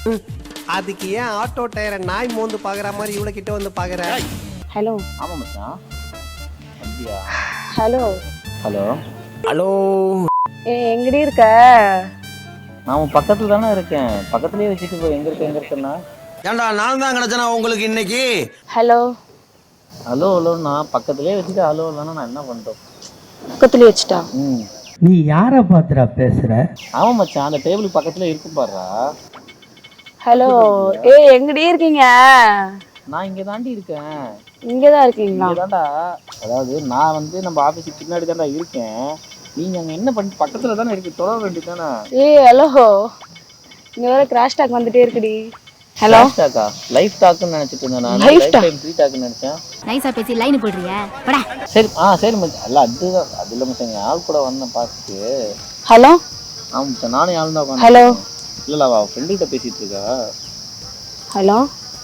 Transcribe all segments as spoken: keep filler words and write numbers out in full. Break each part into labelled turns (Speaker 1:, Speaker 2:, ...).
Speaker 1: அதுக்கு ஏன் ஆட்டோ டயரை நாய் மோந்து பாக்குற மாதிரி இவ்வளவு கிட்ட வந்து பாக்குற?
Speaker 2: ஹலோ.
Speaker 3: ஆமா மச்சான். அப்படியா?
Speaker 2: ஹலோ.
Speaker 3: ஹலோ.
Speaker 1: ஹலோ.
Speaker 2: ஏ எங்கடி இருக்க?
Speaker 3: நான் பக்கத்துல தானே இருக்கேன். பக்கத்துலயே வச்சுட்டு போய் எங்க இருக்க எங்க இருக்கேன்னா?
Speaker 1: ஏண்டா நான் தான் கிடைச்சனா உங்களுக்கு இன்னைக்கு?
Speaker 2: ஹலோ.
Speaker 3: ஹலோ ஹலோ நான் பக்கத்துலயே வச்சுட்டு ஹலோ இல்லைன்னா நான் என்ன பண்றோம்?
Speaker 2: பக்கத்துலயே வச்சுட்டா?
Speaker 3: ம்.
Speaker 4: நீ யாரை பார்த்துடா பேசுற?
Speaker 3: ஆமா மச்சான், அந்த டேபிள் பக்கத்துல இருக்கு பாருடா.
Speaker 2: ஹலோ. ஏ எங்கடி இருக்கீங்க?
Speaker 3: நான் இங்க தாண்டி இருக்கேன்.
Speaker 2: இங்கதான் இருக்கீங்களா?
Speaker 3: இங்கதான்டா. அதாவது நான் வந்து நம்ம ஆபீஸுக்கு பின்னாடி தான்டா இருக்கேன். நீங்க அங்க என்ன பண்ணி பக்கத்துல தானே இருக்கு, தொட வேண்டியதானே?
Speaker 2: ஏ ஹலோ, இங்க வேற கிராஷ் டாக் வந்துட்டே இருக்குடி. ஹலோ.
Speaker 3: லைஃப் டாக்கா? லைஃப் டாக்னு நினைச்சிட்டு இருந்தேன் நான்.
Speaker 2: லைஃப்
Speaker 3: லைஃப் டைம் ஃப்ரீ டாக்னு நினைச்சேன்.
Speaker 5: நைஸா பேசி லைன் போடுறியா? போடா.
Speaker 3: சரி ஆ சரி மச்சான். அல்ல அதுதான் அது இல்லை மச்சான், என் ஆள் கூட வந்தேன் பார்த்துட்டு.
Speaker 2: ஹலோ.
Speaker 3: ஆமா மச்சான், நானே ஆள் தான் உட்காந்து.
Speaker 2: ஹலோ.
Speaker 3: இல்ல இல்ல அவ ஃப்ரெண்டு கிட்ட பேசிட்டு இருக்கா.
Speaker 2: ஹலோ.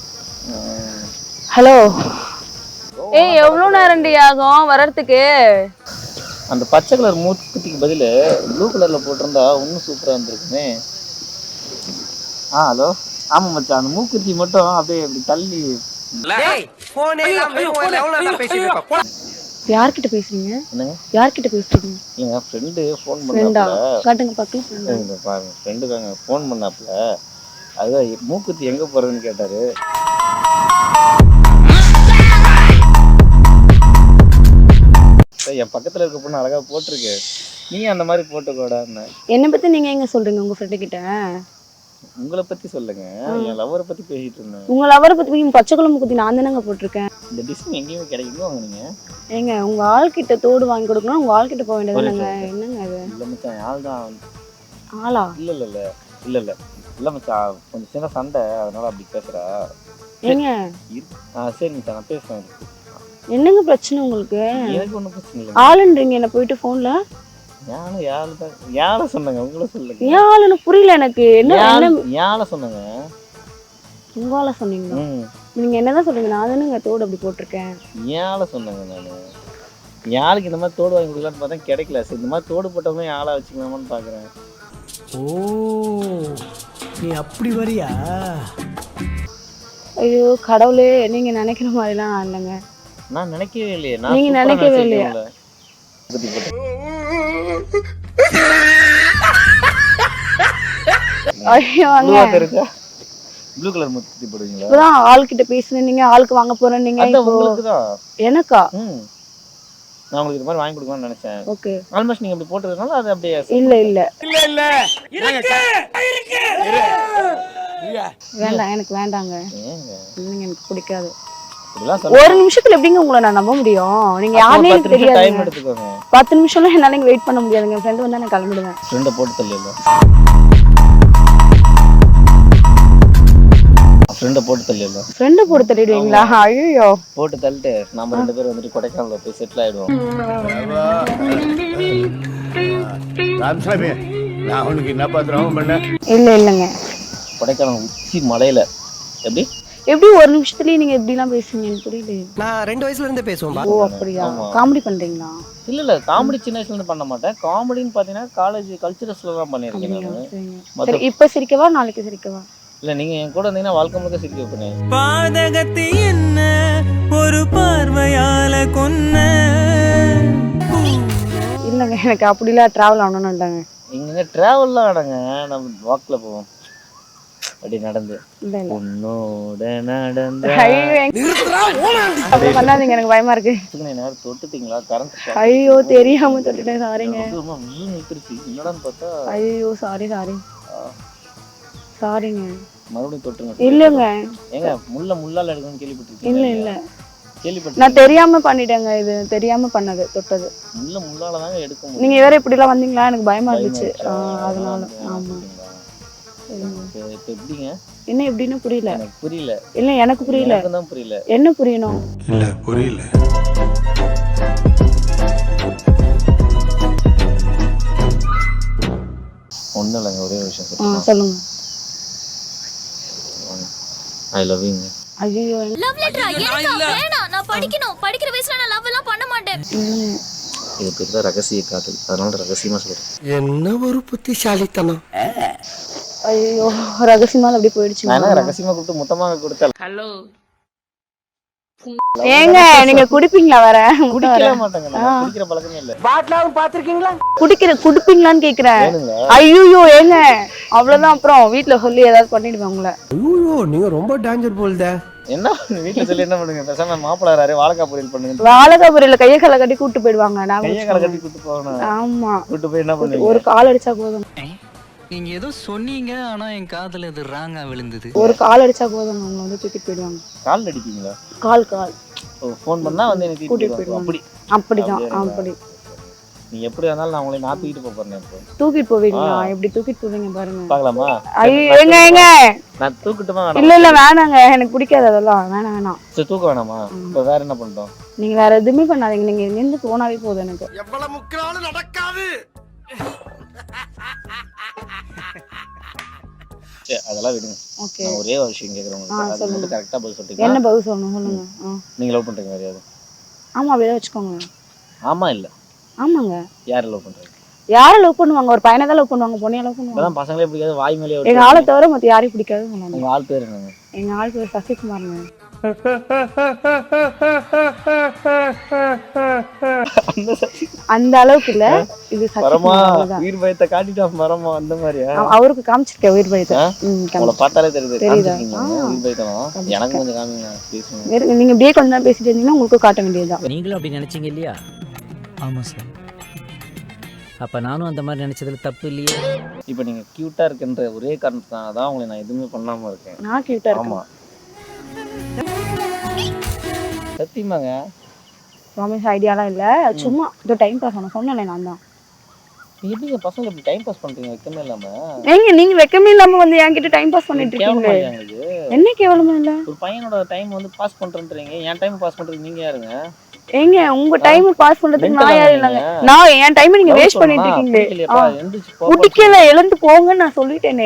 Speaker 2: ஹலோ. ஏய் எவ்வளவு நேரம்டி ஆகும் வர்றதுக்கு?
Speaker 3: அந்த பச்சை கலர் மூக்குத்திக்கு பதில் ப்ளூ கலர்ல போட்டிருந்தா இன்னும் சூப்பரா இருந்திருக்குமே. ஆ ஹலோ. ஆமா மச்சான், அந்த மூக்குத்தி மட்டும் அப்படியே அப்படி தள்ளி.
Speaker 2: யார்கிட்ட பேசுறீங்க?
Speaker 3: என்னங்க
Speaker 2: யார்கிட்ட பேசுறீங்க?
Speaker 3: என் ஃப்ரெண்டு ஃபோன்
Speaker 2: ஃப்ரெண்டா?
Speaker 3: பண்ணாப்ல.
Speaker 2: காட்டுங்க பார்க்கலாம்.
Speaker 3: இந்த பாருங்க ஃப்ரெண்டு தாங்க ஃபோன் பண்ணாப்ல. அதுதான் மூக்குத்தி எங்க போறதுன்னு கேட்டாரு. என் பக்கத்துல இருக்க பொண்ணு அழகா போட்டிருக்கு, நீ அந்த மாதிரி போட்டுக்கோடான்னு.
Speaker 2: என்னை பத்தி நீங்க எங்க சொல்றீங்க உங்க ஃப்ரெண்டு கிட்ட?
Speaker 3: உங்களை பத்தி சொல்லுங்க, என் லவரை பத்தி பேசிட்டு இருந்தேன்.
Speaker 2: உங்க லவரை பத்தி பச்சை குழம்பு குத்தி நான் தானங்க போட்டிருக்கேன்.
Speaker 3: இந்த டிசைன் எங்கேயுமே கிடைக்குமோ வாங்குனீங்க?
Speaker 2: ஏங்க உங்க ஆள் கிட்ட தோடு வாங்கி கொடுக்கணும், உங்க ஆள் கிட்ட போக வேண்டியதுங்க. என்னங்க அது?
Speaker 3: இல்ல மச்சான், ஆள் தான்.
Speaker 2: ஆளா?
Speaker 3: இல்ல இல்ல இல்ல இல்ல இல்ல இல்ல மச்சான், கொஞ்சம் சின்ன சண்டை, அதனால அப்படி பேசுறா.
Speaker 2: ஏங்க
Speaker 3: ஆ சரி மச்சான், நான் பேசுறேன்.
Speaker 2: என்னங்க பிரச்சனை உங்களுக்கு?
Speaker 3: எனக்கு ஒன்றும் பிரச்சனை இல்லை.
Speaker 2: ஆளுன்றீங்க என்ன போயிட்டு போன்ல?
Speaker 3: யாரும் யாரு தான் யாரை சொன்னாங்க? உங்களை சொல்லுங்க.
Speaker 2: ஏன் ஆளுன்னு புரியல எனக்கு. என்ன என்ன
Speaker 3: யாரை சொன்னாங்க?
Speaker 2: உங்க ஆளை சொன்னீங்களா?
Speaker 3: ம்.
Speaker 2: நீங்க என்னதான் சொல்றீங்க? நான் தானேங்க தோடு அப்படி போட்டிருக்கேன்.
Speaker 3: யாரை சொன்னாங்க? நானு யாருக்கு இந்த மாதிரி தோடு வாங்கி கொடுக்கலான்னு பார்த்தா கிடைக்கல. சரி இந்த மாதிரி தோடு போட்டவங்க யாழை வச்சுக்கலாமான்னு பாக்குறேன்.
Speaker 1: ஓ நீ அப்படி வரியா?
Speaker 2: ஐயோ கடவுளே, நீங்க நினைக்கிற மாதிரிலாம் நான் இல்லைங்க.
Speaker 3: நான் நினைக்கவே இல்லையே.
Speaker 2: நீங்க நினைக்கவே இல்லையா? ஐயோ அங்க
Speaker 3: தெரிஞ்சா ப்ளூ கலர் முத்தி போடுவீங்களா?
Speaker 2: இப்பதான் ஆள் கிட்ட பேசுனேன், நீங்க ஆளுக்கு வாங்க போறேன் நீங்க.
Speaker 3: உங்களுக்கு தான்.
Speaker 2: எனக்கா?
Speaker 3: ம். நான் உங்களுக்கு இந்த மாதிரி வாங்கி கொடுக்கணும்னு நினைச்சேன்.
Speaker 2: ஓகே.
Speaker 3: ஆல்மோஸ்ட் நீங்க அப்படி போட்டதுனால அது அப்படியே.
Speaker 2: இல்ல இல்ல
Speaker 1: இல்ல இல்ல இருக்கு இருக்கு.
Speaker 2: வேண்டாம், எனக்கு வேண்டாங்க.
Speaker 3: ஏங்க
Speaker 2: நீங்க எனக்கு பிடிக்காது.
Speaker 3: இதெல்லாம்
Speaker 2: ஒரு நிமிஷத்துல எப்படிங்க உங்களை நான் நம்ப முடியும்? நீங்க யாருனே எனக்கு தெரியாது.
Speaker 3: டைம் எடுத்துக்கோங்க.
Speaker 2: பத்து நிமிஷம்லாம் என்னால இங்க வெயிட் பண்ண முடியாதுங்க. என் ஃப்ரெண்ட் வந்தா நான் கிளம்பிடுவேன்.
Speaker 3: ஃப்ரெண்டை போட்டு தள்ளிடலாம். ஃப்ரெண்டை போட்டு தள்ளிடலாம்.
Speaker 2: ஃப்ரெண்டை போட்டு தள்ளிடுவீங்களா? ஐயோ.
Speaker 3: போட்டு தள்ளிட்டு நம்ம ரெண்டு பேரும் வந்துட்டு கொடைக்கானல்ல போய் செட்டில் ஆயிடுவோம்.
Speaker 6: ராமசாமி, நான் உனக்கு என்ன பாத்திரம் பண்ண?
Speaker 2: இல்ல இல்லங்க.
Speaker 3: கொடைக்கானல் உச்சி மலையில எப்படி
Speaker 2: எப்படி ஒரு நிமிஷத்துலயே நீங்க எப்படி எல்லாம் பேசுவீங்க? எனக்கு புரியல.
Speaker 1: நான் ரெண்டு வயசுல இருந்தே பேசுவேன்.
Speaker 2: ஓ அப்படியா? காமெடி பண்றீங்களா?
Speaker 3: இல்ல இல்ல காமெடி சின்ன வயசுல இருந்து பண்ண மாட்டேன். காமெடின்னு பாத்தீங்கன்னா காலேஜ் கல்ச்சரல்ஸ்ல தான் பண்ணிருக்கேன் நானு.
Speaker 2: சரி இப்ப சிரிக்கவா நாளைக்கு சிரிக்கவா?
Speaker 3: இல்ல நீங்க என் கூட இருந்தீங்கன்னா வாழ்க்கை முழுக்க சிரிக்க வைப்பேன்.
Speaker 7: பாதகத்தை என்ன ஒரு பார்வையால கொன்ன.
Speaker 2: இல்லங்க எனக்கு அப்படிலாம் டிராவல் ஆகணும்னு இல்லைங்க.
Speaker 3: இங்க டிராவல்லாம் ஆடுங்க, நம்ம வாக்ல போவோம் அப்படி நடந்து.
Speaker 2: இல்ல இல்ல
Speaker 3: உன்னோட நடந்த
Speaker 2: அப்படி பண்ணாதீங்க, எனக்கு பயமா இருக்கு.
Speaker 3: நேரம் தொட்டுட்டீங்களா? கரண்ட்
Speaker 2: ஐயோ தெரியாம தொட்டுட்டேன், சாரிங்க.
Speaker 3: என்னடான்னு பார்த்தா
Speaker 2: ஐயோ சாரி சாரி சாரிங்க.
Speaker 3: மறுபடியும் தொட்டுங்க.
Speaker 2: இல்லங்க
Speaker 3: ஏங்க முள்ள முள்ளால எடுக்கணும்னு கேள்விப்பட்டிருக்கீங்க?
Speaker 2: இல்ல இல்ல
Speaker 3: கேள்விப்பட்டு
Speaker 2: நான் தெரியாம பண்ணிட்டேங்க. இது தெரியாம பண்ணது, தொட்டது.
Speaker 3: முள்ள முள்ளால தாங்க எடுக்க முடியும்.
Speaker 2: நீங்க வேற இப்படி எல்லாம் வந்தீங்களா? எனக்கு பயமா இருந்துச்சு, அதனால. ஆமா.
Speaker 3: எப்படிங்க?
Speaker 2: என்ன எப்படின்னு புரியல.
Speaker 3: எனக்கு புரியல.
Speaker 2: இல்ல எனக்கு புரியல.
Speaker 3: எனக்கு தான் புரியல.
Speaker 2: என்ன புரியணும்?
Speaker 6: இல்ல புரியல.
Speaker 3: ஒண்ணும் இல்லைங்க, ஒரே விஷயம்
Speaker 2: சொல்லுங்க.
Speaker 3: ஐ லவ் யூங்க.
Speaker 2: ஐயோ
Speaker 5: லவ் லெட்டரா? எனக்கு வேணாம், நான் படிக்கணும். படிக்கிற வயசுல நான் லவ் எல்லாம் பண்ண மாட்டேன்.
Speaker 3: இது பேர் தான் ரகசிய காதல், அதனால ரகசியமா சொல்றேன்.
Speaker 1: என்ன ஒரு புத்திசாலித்தனம்.
Speaker 2: ஐயோ ரகசியமா அப்படி போயிடுச்சு.
Speaker 3: நான் என்ன ரகசியமா கூப்பிட்டு மொத்தமாக கொடுத்தேன்.
Speaker 8: ஹலோ
Speaker 2: ஏங்க நீங்க குடிப்பீங்களா? வர
Speaker 3: குடிக்கவே மாட்டாங்க, நான் குடிக்கிற பழக்கமே இல்ல.
Speaker 1: பாட்டிலாவும் பாத்திருக்கீங்களா?
Speaker 2: குடிக்கிற குடிப்பீங்களான்னு கேக்குறேன்.
Speaker 3: வேணுங்க.
Speaker 2: ஐயோ ஏங்க அவ்வளவுதான், அப்புறம் வீட்டுல சொல்லி ஏதாவது பண்ணிடுவேன் உங்களை.
Speaker 1: ஐயோ நீங்க ரொம்ப டேஞ்சர் போல்தே.
Speaker 3: என்ன வீட்டுல சொல்லி என்ன பண்ணுங்க, பேசாம மாப்பிள்ளாரு வாழைக்காய் பொரியல் பண்ணுங்க.
Speaker 2: வாழைக்காய் பொரியல கையை காலை கட்டி கூட்டு போயிடுவாங்க. நான்
Speaker 3: கையை காலை கட்டி கூட்டு போகணும்.
Speaker 2: ஆமா
Speaker 3: கூட்டு போய் என்ன பண்ணுவீங்க?
Speaker 2: ஒரு கால் அடிச்சா போதும்.
Speaker 7: நீங்க ஏதோ சொன்னீங்க ஆனா என் காதுல இது ராங்கா விழுந்தது.
Speaker 2: ஒரு கால் அடிச்சா போதும், அவங்க வந்து தூக்கிட்டு போயிடுவாங்க.
Speaker 3: கால் அடிப்பீங்களா?
Speaker 2: கால் கால்
Speaker 3: ஃபோன் பண்ணா வந்து எனக்கு
Speaker 2: கூட்டிட்டு
Speaker 3: கூட்டிட்டு
Speaker 2: போயிடுவாங்க.
Speaker 3: அப்படி
Speaker 2: அப்படிதான் அப்படி.
Speaker 3: நீ எப்படி இருந்தாலும் நான் உங்களை நான் தூக்கிட்டு போக போறேன். இப்போ
Speaker 2: தூக்கிட்டு போவீங்களா? எப்படி தூக்கிட்டு போவீங்க பாருங்க.
Speaker 3: பார்க்கலாமா?
Speaker 2: ஐயோ ஏங்க ஏங்க
Speaker 3: நான் தூக்கிட்டுமா வேணாம்?
Speaker 2: இல்ல இல்ல வேணாங்க, எனக்கு பிடிக்காது அதெல்லாம். வேணாம் வேணாம்.
Speaker 3: சரி தூக்க வேணாமா? இப்போ வேற என்ன பண்ணிட்டோம்?
Speaker 2: நீங்க வேற எதுவுமே பண்ணாதீங்க, நீங்க இருந்து போனாவே போதும் எனக்கு.
Speaker 1: எவ்வளவு முக்கினாலும் நடக்காது.
Speaker 3: சரி அதெல்லாம் விடுங்க.
Speaker 2: ஓகே
Speaker 3: நான் ஒரே ஒரு விஷயம் கேக்குறேன் உங்களுக்கு. அது மட்டும் கரெக்டா பதில் சொல்றீங்க.
Speaker 2: என்ன பதில் சொல்லணும் சொல்லுங்க. ஆ.
Speaker 3: நீங்க லவ் பண்றீங்க வேற யாரு?
Speaker 2: ஆமா அப்படியே வச்சுக்கோங்க.
Speaker 3: ஆமா இல்ல
Speaker 2: ஆமாங்க.
Speaker 3: யாரை லவ் பண்றீங்க?
Speaker 2: யாரை லவ் பண்ணுவாங்க? ஒரு பையனை தான் லவ் பண்ணுவாங்க, பொண்ணைய லவ் பண்ணுவாங்க.
Speaker 3: இப்பதான் பசங்களே பிடிக்காது, வாய் மேலே.
Speaker 2: எங்க ஆளை தவிர மத்த யாரையும் பிடிக்காது சொன்னாங்க.
Speaker 3: உங்க ஆள் பேர் என்னங்க?
Speaker 2: எங்க ஆள் பேர் சசிகுமார்ங்க. அந்த அளவுக்கு இல்ல, இது
Speaker 3: மரமா
Speaker 2: சசிகுமார் தான்.
Speaker 3: உயிர் பயத்தை காட்டிட்டா மரமா அந்த மாதிரியா?
Speaker 2: அவ- அவருக்கு காமிச்சிருக்கேன் உயிர் பயத்தை. ம்,
Speaker 3: உங்களை
Speaker 2: காமிச்சிருக்கேன்.
Speaker 3: பார்த்தாலே தெரியுது.
Speaker 2: தெரியுதா?
Speaker 3: காமிச்சிருக்கீங்களா உயிர் பயத்தம்? எனக்கு கொஞ்சம் காமிங்க பேசுங்க.
Speaker 2: வேற- நீங்க இப்படியே கொஞ்ச நேரம் பேசிட்டு இருந்தீங்கன்னா உங்களுக்கு காட்ட வேண்டியதுதான்.
Speaker 9: நீங்களும் அப்படி நினைச்சீங்க இல்லையா? ஆமாம் சார். அப்போ நானும் அந்த மாதிரி நினைச்சதுல தப்பு இல்லையே.
Speaker 3: இப்போ நீங்க கியூட்டா இருக்குன்ற ஒரே காரணத்தினால தான் உங்களை நான் எதுவுமே பண்ணாம இருக்கேன்.
Speaker 2: நான் கியூட்டா இருக்கேன்.
Speaker 3: ஆமா சத்தியமாங்க.
Speaker 2: ப்ராமிஸ் ஐடியாலாம் இல்ல, சும்மா இது டைம் பாஸ் பண்ண சொன்னேன் நான் தான்.
Speaker 3: எப்படிங்க பசங்க இப்படி டைம் பாஸ் பண்றீங்க வெக்கமே இல்லாம?
Speaker 2: ஏங்க நீங்க வெக்கமே இல்லாம வந்து என்கிட்ட டைம் பாஸ் பண்ணிட்டு இருக்கீங்களே.
Speaker 3: கேவலமா இல்லையா இது?
Speaker 2: என்ன கேவலமா இல்ல?
Speaker 3: ஒரு பையனோட டைம் வந்து பாஸ் பண்றேன்றீங்க, என் டைம் பாஸ் பண்றதுக்கு நீங்க யாருங்க?
Speaker 2: ஏங்க உங்க டைம் பாஸ் பண்றதுக்கு நான் யாரும் இல்லங்க. நான் என் டைம் நீங்க வேஸ்ட் பண்ணிட்டு இருக்கீங்களே. குடிக்கல, எழுந்து போங்கன்னு நான் சொல்லிட்டேனே.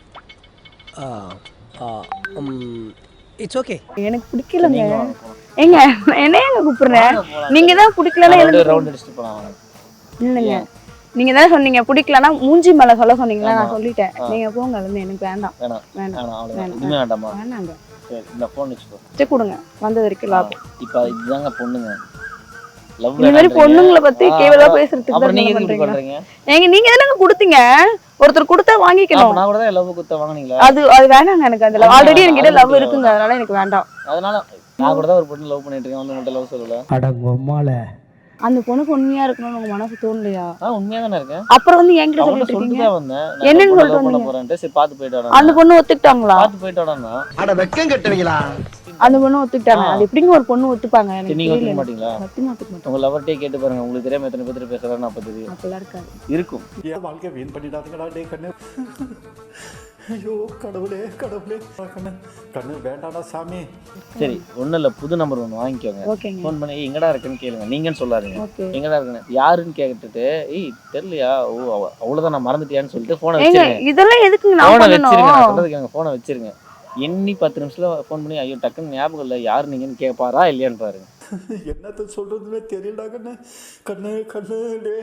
Speaker 4: It's okay.
Speaker 2: எனக்கு பிடிக்கலங்க. ஏங்க என்ன ஏங்க கூப்பிடுறேன்? நீங்க தான் பிடிக்கலன்னா எழுந்து
Speaker 3: ரவுண்ட் அடிச்சிட்டு போலாம்.
Speaker 2: இல்லங்க, நீங்க தான் சொன்னீங்க பிடிக்கலன்னா மூஞ்சி மேல சொல்ல சொன்னீங்களா, நான் சொல்லிட்டேன். நீங்க போங்க எழுந்து, எனக்கு வேண்டாம்.
Speaker 3: வேணாம்
Speaker 2: வேண்டாம்
Speaker 3: வேணாம் அவ்வளவுதான். இதுமே வேண்டாமா?
Speaker 2: வேணாங்க.
Speaker 3: சரி இந்த ஃபோன் வச்சுக்கோ.
Speaker 2: சரி கொடுங்க, வந்தது வரைக்கும் லாபம்.
Speaker 3: இப்போ இதுதாங்க பொண்ணுங்க லவ்.
Speaker 2: இந்த மாதிரி பொண்ணுங்களை பத்தி கேவலமா பேசுறதுக்கு
Speaker 3: அப்புறம்
Speaker 2: தான்
Speaker 3: நீங்க
Speaker 2: நீங்க
Speaker 3: எதுக்கு
Speaker 2: பண்றீங்க.
Speaker 3: பண்றீங்க?
Speaker 2: ஏங்க நீங்க தானங்க கொடுத்தீங்க, ஒருத்தர் கொடுத்தா வாங்கிக்கணும்.
Speaker 3: நான் கூட தான் லவ் குத்த வாங்குனீங்களா?
Speaker 2: அது அது வேணாங்க எனக்கு. அந்த ஆல்ரெடி என்கிட்ட லவ் இருக்குங்க, அதனால எனக்கு வேண்டாம்.
Speaker 3: அதனால நான் கூட தான் ஒரு பொண்ணு லவ் பண்ணிட்டு இருக்கேன், வந்து மட்டும் லவ் சொல்லல.
Speaker 4: அடங்கம்மால
Speaker 2: அந்த பொண்ணுக்கு உண்மையா இருக்கணும்னு உங்க மனசு தோணலையா?
Speaker 3: ஆ உண்மையா தானே இருக்கேன்.
Speaker 2: அப்புறம் வந்து என்கிட்ட
Speaker 3: அவங்கள
Speaker 2: சொல்லிட்டு
Speaker 3: சொல்லிட்டு
Speaker 2: இருக்கீங்க.
Speaker 3: தான் வந்தேன்.
Speaker 2: என்னன்னு
Speaker 3: நான்
Speaker 2: சொல்லிட்டு
Speaker 3: லவ் பண்ண
Speaker 2: வந்தீங்க?
Speaker 3: போறேன்ட்டு சரி பாத்து போயிட்டு வாடா.
Speaker 2: அந்த பொண்ணு ஒத்துக்கிட்டாங்களா?
Speaker 3: பாத்து போயிட்டு வாடான்னா.
Speaker 1: அட வெக்கம் கட்டுவீங்களா?
Speaker 2: அந்த பொண்ணு ஒத்துக்கிட்டாங்க. அது எப்படிங்க ஒரு பொண்ணு ஒத்துப்பாங்க? எனக்கு
Speaker 3: நீங்க ஒத்துக்க
Speaker 2: தெரியல.
Speaker 3: மாட்டீங்களா?
Speaker 2: சத்தியமா ஒத்துக்க மாட்டேன்.
Speaker 3: உங்க லவர்ட்டே கேட்டு பாருங்க, உங்களுக்கு தெரியாம எத்தனை பேர் பேசுறான்னு அப்ப தெரியும்.
Speaker 2: அப்பெல்லாம் இருக்காது.
Speaker 3: இருக்கும்.
Speaker 6: என் வாழ்க்கை வீண் பண்ணிடாதீங்கடா டே கண்ணு. ஐயோ கடவுளே கடவுளே கண்ணு கண்ணு வேண்டாடா சாமி.
Speaker 3: சரி ஒன்றும் இல்லை, புது நம்பர் ஒன்று வாங்கிக்கோங்க.
Speaker 2: ஓகேங்க.
Speaker 3: ஃபோன் பண்ணி "ஏய், எங்கடா இருக்குன்னு கேளுங்க. நீங்கன்னு சொல்லாதீங்க,
Speaker 2: ஓகே.
Speaker 3: எங்கடா இருக்குன்னு. யாருன்னு கேட்டுட்டு ஏய் தெரியலையா, ஓ அவ- அவ்வளவுதான் நான் மறந்துட்டியான்னு சொல்லிட்டு ஃபோனை
Speaker 2: ஏங்க
Speaker 3: வச்சிருங்க.
Speaker 2: இதெல்லாம் எதுக்குங்க நான்
Speaker 3: ஃபோனை வச்சிருங்க, நான்
Speaker 2: பண்ணணும்?
Speaker 3: சொல்றதுக்கு எங்க ஃபோனை வச்சிருங்க. எண்ணி பத்து நிமிஷத்துல ஃபோன் பண்ணி ஐயோ டக்குன்னு ஞாபகம் இல்லை யாரு நீங்கன்னு கேட்பாரா இல்லையான்னு பாருங்க.
Speaker 6: என்னத்த சொல்றதுன்னு தெரியலடா கண்ணு கண்ணு கண்ணு டே.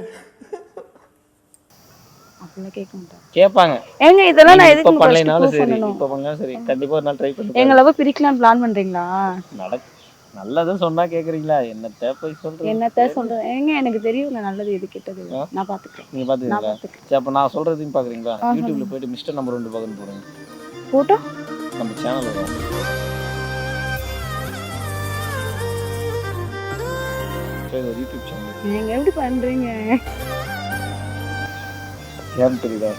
Speaker 2: அப்படிலாம் கேட்க மாட்டேன்.
Speaker 3: கேட்பாங்க.
Speaker 2: ஏங்க இதெல்லாம் நான்
Speaker 3: இப்ப
Speaker 2: எதுக்கு ஃபர்ஸ்ட்
Speaker 3: பண்ணலைனாலும் சரி,
Speaker 2: பண்ணணும்?
Speaker 3: இப்ப பண்ணாலும் சரி, கண்டிப்பா ஒரு நாள் ட்ரை பண்ணி
Speaker 2: எங்க லவ் பிரிக்கலாம் பிளான் பண்றீங்களா?
Speaker 3: நடக்கு. நல்லதும் சொன்னா கேக்குறீங்களா? என்னத்த போய் சொல்றேன்.
Speaker 2: என்னத்த சொல்றேன்? ஏங்க எனக்கு தெரியுங்க நல்லது எது கெட்டது. நான் பாத்துக்கிறேன்.
Speaker 3: நீங்க
Speaker 2: நான்
Speaker 3: பாத்துக்கீங்களா?
Speaker 2: பாத்துக்கிறேன்.
Speaker 3: சரி அப்ப நான் சொல்றதையும் பாக்குறீங்களா? யூடியூப்ல போயிட்டு மிஸ்டர் நம்பர் ஒன்று பாக்கணும் போடுங்க.
Speaker 2: போட்டோ
Speaker 3: நம்ம சேனல் வரும். சரி ஒரு யூடியூப் சேனல்.
Speaker 2: நீங்க எப்படி பண்றீங்க?
Speaker 3: ஏன் தெரியுதா?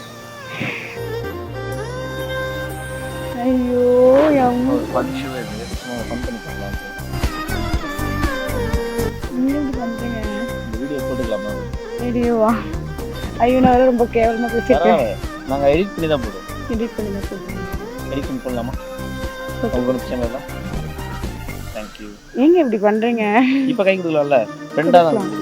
Speaker 2: ஐயோ அம்மா,
Speaker 3: ஒரு ஃபன் ஷோ இது. நம்ம ஃபன் பண்ணி பண்ணலாம்.
Speaker 2: நீங்க எப்படி பண்றீங்க?
Speaker 3: இந்த வீடியோ போட்டுக்கலாமா?
Speaker 2: வீடியோவா? ஐயோ நான் வேற ரொம்ப கேவலமா பேசிட்டேன்.
Speaker 3: பரவாயில்ல, நாங்க எடிட் பண்ணி தான் போடுவோம்.
Speaker 2: எடிட் பண்ணி தான் சொல்றேன்.
Speaker 3: எடிட் பண்ணி போடலாமா? உங்களுக்கு சேனல்ல. Thank you.
Speaker 2: ஏங்க இப்படி பண்றீங்க?
Speaker 3: இப்போ கை கொடுக்கலாம்ல? ஃப்ரெண்டா தான்